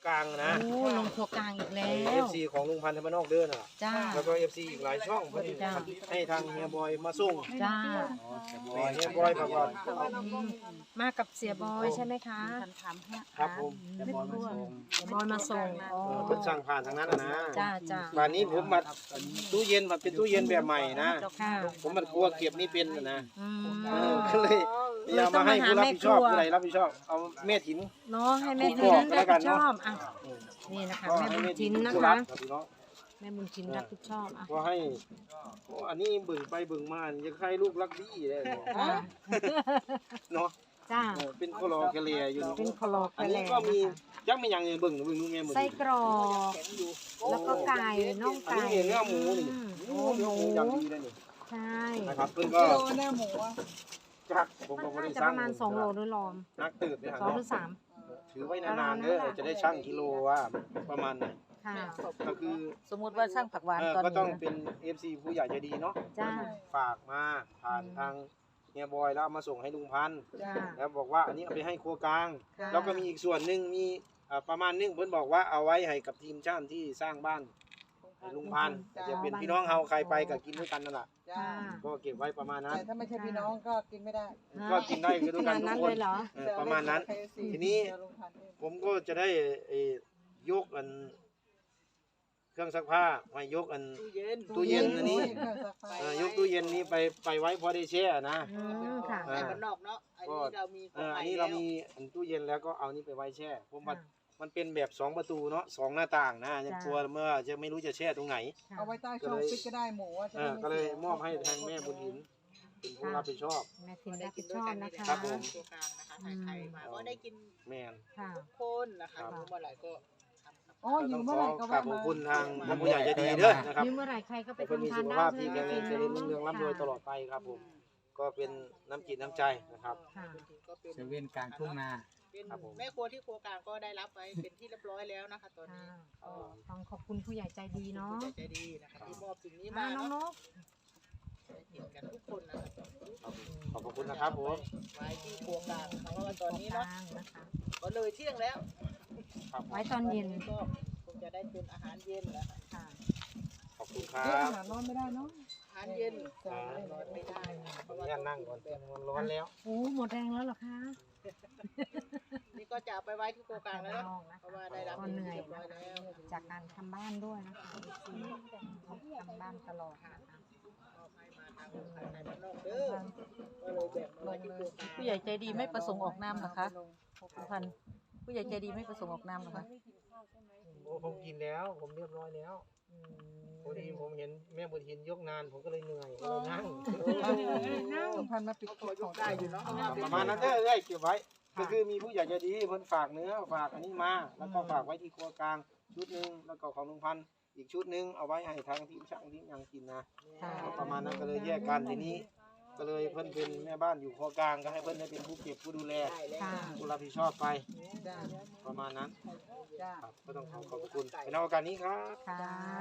กลางนะโอ้ลงครัวกลางอีกแล้เอวฟซีของลุงพันธ์ธรรมนอกเดินอ่ะจ้าแล้วก็ FC อีกหลายช่องเพิ่นจ้าให้ทางเฮียบอยมาส่งจ้าเฮียบอยบอกว่ามากับเสียบอยใช่ไหมคะครับผมเสียบอยมาส่งอ๋อเพิ่นสั่งผ่านทางนั้นนะจ้าจ้าวันนี้ผมมาตู้เย็นมาเป็นตู้เย็นแบบใหม่นะค่ะผมมันกลัวเก็บไม่เป็นนะอืมก็เลยอยากมาให้ผู้รับผิดชอบผู้ใดรับผิดชอบเอาแม่ถินเนาะให้แม่ทินรับผิดชอบอ่ะนี่นะคะแม่บุญทินนะคะแม่บุญทินรับผิดชอบอ่ะก็ให้อันนี้บึ่งไปบึ่งมายังใครลูกรักดีเลยเนาะจ้าเป็นโคลอแคเลียอยู่เป็นคลอกอันแหนี้ละก็มียักษ์ไม่ยังบึ่งดูแม่หมดไส้กรอกแล้วก็ไก่น่องอันไก่นี้เนื้อหมูนี่โอ้เนื้อหมูอย่างดีเลยนี่ใช่นะครับเพิ่นก็เนื้อหมูจักผมก็มันบ่น่าได้จะสปร้างระมาณ2 โลหรือลอมนักตื่นไปหา 2 หรือ 3 ถือไว้นานๆเด้อจะได้ชั่งกิโลว่าประมาณไหนค่ะก็คือสมมุติว่าช่างผักหวานตอนก็ต้องนี้เป็น FC ผู้ใหญ่ใจดีเนาะจ้าฝากมาผ่านทางเฮียบอยแล้วเอามาส่งให้ลุงพันธ์จ้าแล้วบอกว่าอันนี้เอาไปให้ครัวกลางค่ะแล้วก็มีอีกส่วนหนึ่งมีประมาณนึงเพิ่นบอกว่าเอาไว้ให้กับทีมช่างที่สร้างบ้านให้ลุงพันธ์จะเป็นพี่น้องเฮาใครไปก็กินด้วยกันนั่นแหละค่ะก็เก็บไว้ประมาณนั้นแต่ถ้าไม่ใช่พี่น้องก็กินไม่ได้ก็กินได้คือด้วยขกันาดนทุนั้กนคเลนยเหรอประมาณนั้น ทีนี้ ผมก็จะได้ยกอันเครื่องซักผ้าไว้ยกอันตู้เย็นอันนี้ยกตู้เย็นนี้ไปไว้พอได้แช่นะอืมค่ะอ่าบ้านนอกเนาะอันนี้เรามีอันนี้เรามีอันตู้เย็นแล้วก็เอานี่ไปไว้แช่ผมว่ามันเป็นแบบ2 ประตูเนาะ2 หน้าต่างนะยังกลัวเมื่อจะไม่รู้จะแช่ตรงไหนเอาไว้ใต้ช่องฟิตก็ได้หมูจะได้ก็เลยมอบให้ทางแม่บุญหินเป็นผู้รับผิดชอบแม่ทินรับผิดชอบนะคะครับผมตัวกลางนะคะไทยๆมาก็ได้กินแมนค่ะคนนะคะเมื่อไหร่ก็อ๋อก็อต้ยู่องเมื่ขออไหร่ก็กราบขอบคุณทางผู้ใหญ่ใจดีเด้อนะครับมีเมื่อไหร่ใครก็ไปให้เพิ่นมีทำทาสุนขได้ภาพใช่ที่ไหมแข็งแรงเจริญรุ่งเรืองร่ำรวยตลอดค่ะไปครับผมก็เป็นน้ำจิตน้ำใจนะครับค่ะก็เป็นเซเว่นกลางทุ่งนาครับผมแม่ครัวที่ครัวกลางก็ได้รับไว้เป็นที่เรียบร้อยแล้วนะคะตอนนี้ก็ต้องขอบคุณผู้ใหญ่ใจดีเนาะใจดีนะคะที่มอบสิ่งนี้มามาน้องนเนาะกเห็นกันทุกคนนะคะขอบคุณนะครับผมไว้ที่ครัวกลางเพราะว่าตอนนี้กเนาะลางนะคะก็เลยเที่ยงแล้วครับไว้ตอนเย็นก็คงจะได้เป็นอาหารเย็นแล้วค่ะขอบคุณครัอาบหารร้อนไม่ได้เนาะอาหารเย็นร้อนไม่ได้เพราะว่าเนี่ยนั่งก่อนมันร้อนแล้วโอ้หมดแรงแล้วเหรอคะนี่ก็จะเอาไปไว้ที่ครัวกลางแล้วน้องเพนะคะราะว่าได้รับก็เหนื่อยเรียบร้นะอยแล้วจากการทำบ้านด้วยนะคะทำบ้านตลอดนะคะมอบให้มาทางภายในบ้านนอกเด้อก็เลยแบ่งมาไว้ที่ครัวกลางผู้ใหญ่ใจดีไม่ประสงค์ออกนามเหรอคะพันผู้ใหญ่ใจดีไม่ประสงค์ออกนามเหรอคะโอ้ผมกินแล้วผมเรียบร้อยแล้วพอดีผมเห็นแม่บุญหินยกนานผมก็เลยเหนื่อยก็เลยนั่งสมพันธ์มาปิดคลิปของได้อยู่เนาะประมาณนั้นเด้อเก็บไว้ก็คือมีผู้ใหญ่ใจดีเพิ่นฝากเนื้อฝากอันนี้มาแล้วก็ฝากไว้ที่ครัวกลางชุดหนึงแล้วก็ของลุงพันธ์อีกชุดหนึงเอาไว้ให้ทางทีมช่างที่ยังกินนะค่ะประมาณนั้นก็เลยแยกกันทีนี้ ก็เลยเพิ่นเป็นแม่บ้านอยู่ครัวกลางก็ให้เพิ่นได้เป็นผู้เก็บผู้ดูแลค่ะผู้รับผิดชอบไปจ้าประมาณนั้นจ้าครับก็ต้องขอบคุณในโอกาสนี้ครับค่ะ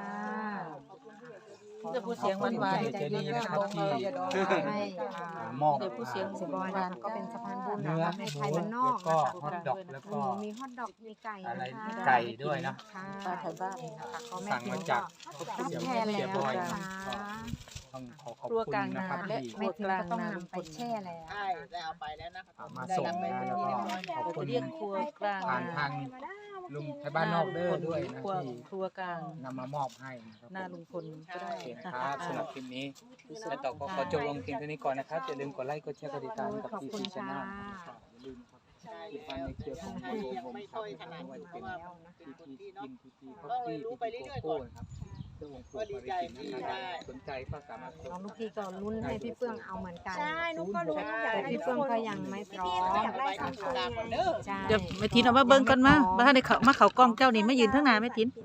จะพูดเสียงหวานใจดีนะคะที่ให้มอบเดี๋ยวผู้เสียงเสียบอยนะคะก็เป็นสะพานบุญนะคะให้ไทยบ้านนอกแล้วก็นะคะฮอทดอกแล้วก็มีฮอทดอกมีไก่อะไรนะคะไก่ด้วยนะค่ะปลาไทยบ้านนะคะก็แม่สั่งทิมาน จากก็รับแทนแล้วนะคะต้องขอขอบครัวคุกณลางนะนาครับและที่ครัวกลางต้องนานำไปแช่แล้วใช่ได้เอาไปแล้วนะคะมาได้ส่งรับไปนะเป็นแล้วที่ก็เรียบร้อยขอบเราคุจะณเรียกครัวกลางผ่านนาทางลุงไทยบ้านนอกเด้อด้วยนะครัวที่ครัวกลางนำมามอบให้นะครับหน้าลุงพลก็ได้โอเคนะครับสำหรับคลิปนี้และต่อก็ขอจบลงเพียงเท่านี้ก่อนนะครับอย่าลืมกดไลค์กดแชร์กดติดตามกับขอบทีคุณซีชาค่ะแนลนะครับอย่าลืมครับใช่ติดตามในเครือของใช่โยยังมไม่ครัค่บอยถนัดไม่ว่าจะเพเป็นราะว่าเป็นทีคนทีที่กิเนาะนทีทีก็เลยรู้ไปเรื่อยๆโก้ก่อนนะครับเพื่อวงปู่ก็ดีใจที่ได้สนใจก็สามารถน้องลูกพี่ก็ลุ้นให้พี่เฟื่องเอาเหมือนกันใช่นุกก็รู้อยากแต่ให้พี่ทุกเฟื่องคนก็ยังไม่พร้อมอยากได้สามคนไงเด้อใช่เดี๋ยวแม่ทินเอามาเบิ่งกันมาบ้านในเขามาเขากล้องเจ้านี่มายืนทั้งหน้าแม่ทิน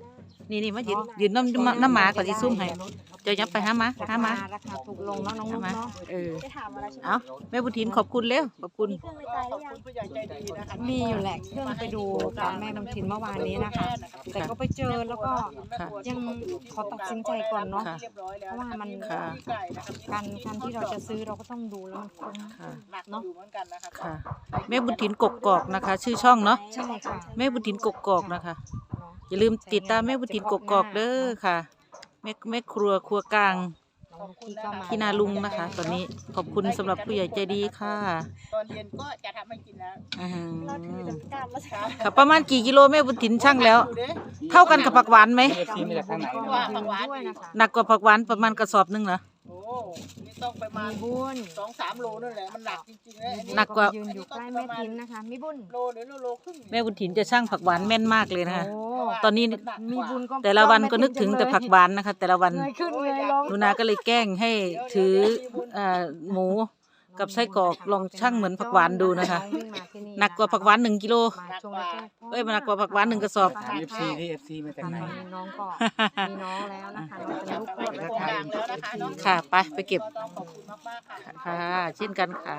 นี่มายืนน้ำหมาก่อนสิซุ่มให้เจ้ายับไปหามาราคาถูกลงเนาะน้องนุ๊กเนาะจะถามอะไรใช่ไหมเอาแม่บุญถินขอบคุณเร็วขอบคุณมีเครื่องในใจหรือยังผู้ใหญ่ใจดีนะคะมีอยู่แหละเครื่องไปดูกับแม่บุญถินเมื่อวานนี้นะคะ แต่ก็ไปเจอแล้วก็ค่ะยังขอตัดสินใจก่อนเนาะค่ะเรียบร้อยแล้วเพราะว่ามันค่ะไก่นะครับการที่เราจะซื้อเราก็ต้องดูแล้วมันคุ้มค่ะหนักอยู่เหมือนกันนะคะค่ะ แม่บุญถินกกอกนะคะ ชื่อช่องเนาะใช่ค่ะแม่บุญถินกกอกนะคะ อย่าลืมติดตามแม่บุญถินกกอกเด้อค่ะแม่ครัวกลางน้องพี่ก็มาพี่นาลุงนะคะ ตอนนี้ขอบคุณสำหรับผู้ใหญ่ใจดีค่ะตอนเย็นก็จะทำให้กินแล้วอื้อหืเราถืออจำกัดแล้วค่ะค่ะประมาณกี่กิโลแม่บุญถินช่างแล้วดูดิเท่ากันกับผักหวานไหมเอฟซีมาจากทางไหนว่านะผักหวานด้วยนะคะหนักกว่าผักหวานประมาณกระสอบหนึงเหรอโอ้นี่ต้องประมาณมีบุญ 2-3 โลนั่นแหละมันหนักจริงๆเลยอันนี้หนักกว่ายืนอยู่ใกล้แม่ทิมนะคะมีบุญโลหรือโลครึ่งแม่บุญถินจะช่างผักหวานแม่นมากเลยนะคะโอ้ตอนนี้มีบุญก็แต่ละวันก็นึกถึงแต่ผักหวานนะคะ แต่ละวันเงยขึ้นเงยลงหนูนาก็เลยแกล้งให้ถือหมูกับไส้กรอกลองช่างเหมือนผักหวานดูนะคะวิ่งมาที่หนักกว่าผักหวาน1 กิโลมาช่วงแรกๆเอ้ยมันหนักกว่าผักหวาน1 กระสอบถามเอฟซีที่เอฟซีมาจากไหนน้องก็มีน้องแล้วนะคะน้องเป็นลูกไปคนโคแล้วรงค่ะการแล้วนะคะเนาะค่ะไปเก็บก็ต้องขอบคุณมากๆค่ะค่ะ เช่นกันค่ะ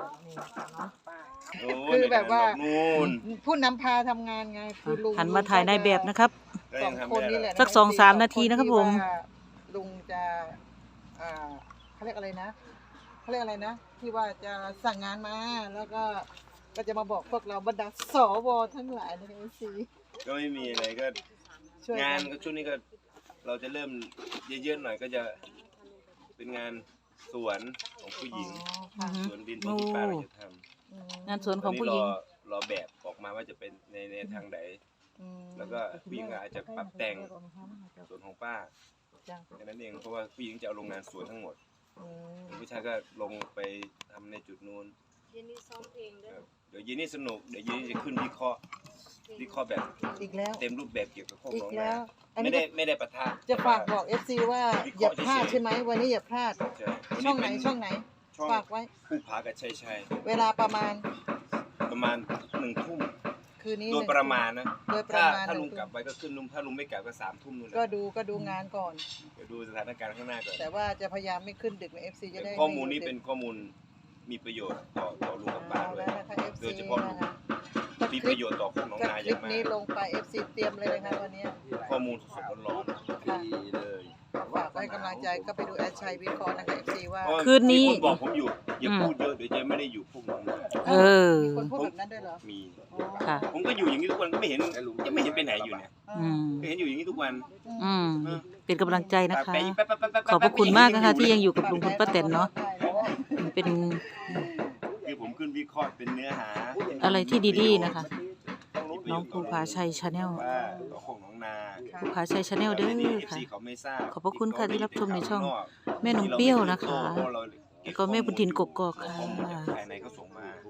คือแบบว่านู่นผู้นำพาทำงานไงคือลุงหันมาถ่ายนายแบบนะครับก็สยัอง งทำคนไม่นี้ได้แหละสัก 2-3 นาทีนะครับผมที่ว่าลุงจะเขาเรียกอะไรนะเขาเรียกอะไรนะ ที่ว่าจะสั่งงานมาแล้วก็จะมาบอกพวกเราบรรดาสวทั้งหลายในเอซีก็ไม่มีอะไรก็ช่วยงานกัก็ช่วงนี้ก็เราจะเริ่มเยอะๆหน่อยก็จะเป็นงานสวนของผู้หญิงอือฮึสวนดินของที่ป้าเราจะทอืมงานสวนำของผู้หญิงรอแบบออกมาว่าจะเป็นในทางไหนอืมแล้วก็ผู้หญิงอาจจะปรับแต่งสวนของป้าจ้ะแค่นั้นเองเพราะว่าผู้หญิงจะเอาโรงงานสวนทั้งหมดอืมผู้ชายก็ลงไปทำในจุดนู้นเย็นนี้ซ้อมเพลงด้วยครับเดี๋ยวเย็นนี้สนุกเดี๋ยวเย็นนี้จะขึ้นวิเคราะห์แบบอีกแล้วเต็มรูปแบบเกี่ยวกับโคกอีหนกองแล้นาวอันไม่นี้ได้ปะทะจะฝากบอก FC ว่าอย่าพลาดใช่ไหมวันนี้อย่าพลาดใช่ช่องไหนช่องไหนช่องฝากไว้ผู้พากับชัยชัยเวลาประมาณประมาณ1 ทุ่มคืนนี้โดย 1 ประมาณนะโดยประมาณถ้าลุง 1 กลับไปก็ขึ้นลุงถ้าลุงไม่กลับก็3 ทุ่มนู่นแหละก็ดูงานก่อนเดี๋ยวดูสถานการณ์ข้างหน้าก่อนแต่ว่าจะพยายามไม่ขึ้นดึกใน FC จะได้ข้อมูลนี้เป็นข้อมูลมีประโยชน์ต่อลุงกับป้าเอาด้วยแล้วนะคะ FC โดยเฉพาะลุงนะคะมีประโยชน์ต่อโคกหนองก็นาคอลิย่าปงมานี้กลงไป FC เตรียมเลยนะคะวันนี้ข้อมูลสดๆร้อนค่ะๆดีเลยฝากไว้กำลังใจก็ไปดูแอดชัยวิเคราะห์นะคะ FC ว่าเพราะว่าคืนนี้มีคนบอกผมอยู่อย่าพูดเยอะเดี๋ยวจะไม่ได้อยู่พวกหนองนาเออมีคนพูดแบบนั้นด้วยเหรอมีอ๋อค่ะผมก็อยู่อย่างนี้ทุกวันก็ไม่เห็นยังไม่เห็นไปไหนอยู่เนี่ยอืมก็เห็นอยู่อย่างนี้ทุกวันอืมเป็นกำลังใจนะคะไปแป๊บๆๆๆขอบพระคุณมากนะคะที่ยังอยู่กับลุงคุณป้าแตนเนาะเป็นคือผมขึ้นวิเคราะห์เป็นเนื้อหาอะไรที่ดีๆนะคะ น้องภูผาชัยชาแนลว่าต่อของน้องนาภูผาชัยชาแนลเด้อค่ะค่ะเขาไม่ทราบขอบพระคุณค่ะที่รับชมในช่องแม่นมเปรี้ยวนะคะ แล้วก็แม่บุญถินกกอกค่ะภายในเขาส่งมาก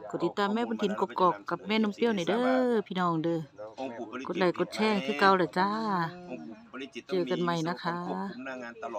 ดติดตามแม่บุญถินกกอกกับแม่นมเปรี้ยวหน่อยเด้อพี่น้องเด้อองค์ปู่ปริจิตรกดไลค์กดแชร์คือเก่าเลยจ้าองค์ปู่ปริจิตรเจอกันใหม่นะคะต้องมีควบคุมหน้างานตลอด